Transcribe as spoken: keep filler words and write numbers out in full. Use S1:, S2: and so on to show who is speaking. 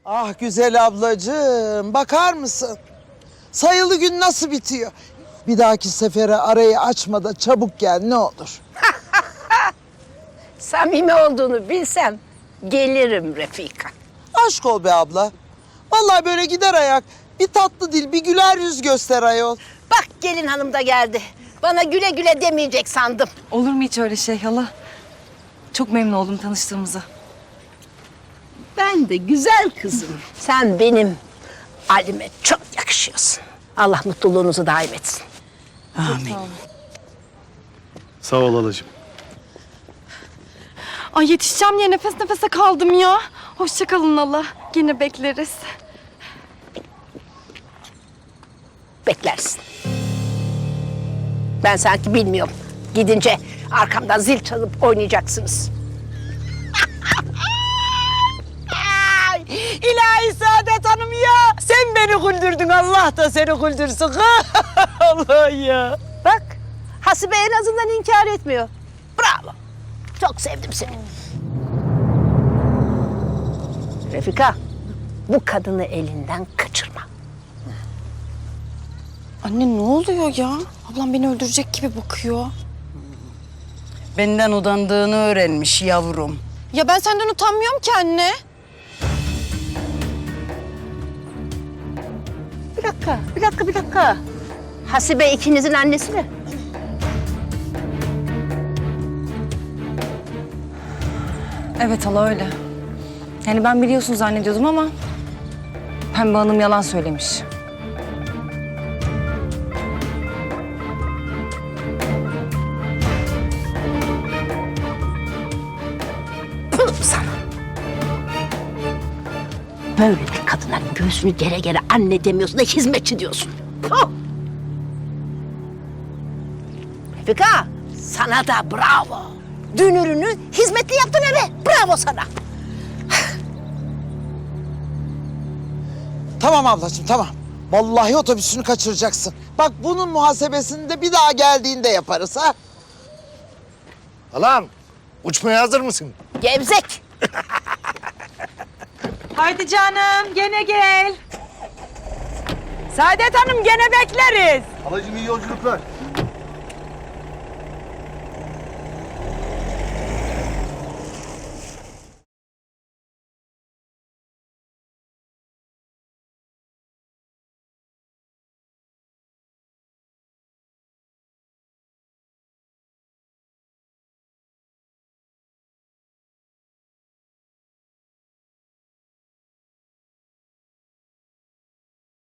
S1: Ah güzel ablacığım, bakar mısın? Sayılı gün nasıl bitiyor? Bir dahaki sefere arayı açma da çabuk gel ne olur.
S2: Samimi olduğunu bilsem gelirim Refika.
S1: Aşk ol be abla. Vallahi böyle gider ayak. Bir tatlı dil, bir güler yüz göster ayol.
S2: Bak gelin hanım da geldi. Bana güle güle demeyecek sandım.
S3: Olur mu hiç öyle şey hala? Çok memnun oldum tanıştığımıza.
S2: Ben de güzel kızım. Sen benim Ali'me çok yakışıyorsun. Allah mutluluğunuzu daim etsin.
S1: Amin.
S4: Sağ ol halacığım.
S3: Ay yetişeceğim diye nefes nefese kaldım ya. Hoşça kalın hala. Yine bekleriz.
S2: Beklersin. Ben sanki bilmiyorum. Gidince arkamdan zil çalıp oynayacaksınız.
S5: İlahi Saadet Hanım ya. Sen beni güldürdün, Allah da seni güldürsün. Allah ya.
S2: Bak Hasibe en azından inkar etmiyor. Bravo. Çok sevdim seni. Refika, bu kadını elinden kaçırma.
S3: Anne ne oluyor ya? Ablam beni öldürecek gibi bakıyor.
S5: Benden udandığını öğrenmiş yavrum.
S3: Ya ben senden utanmıyorum ki anne.
S2: Bir dakika, bir dakika, bir dakika. Hasibe ikinizin annesi mi?
S3: Evet hala öyle. Yani ben biliyorsun zannediyordum ama Pembe Hanım yalan söylemiş.
S2: Pıh sana. Böyle bir kadına göğsünü gere gere anne demiyorsun da hizmetçi diyorsun. Puh! Refika, sana da bravo. Dünürünü hizmetli yaptın eve. Bravo sana.
S1: Tamam ablacığım tamam. Vallahi otobüsünü kaçıracaksın. Bak bunun muhasebesini de bir daha geldiğinde yaparız ha.
S4: Halam, uçmaya hazır mısın?
S2: Gevzek.
S5: Haydi canım, gene gel. Saadet Hanım, gene bekleriz.
S4: Halacığım iyi yolculuklar.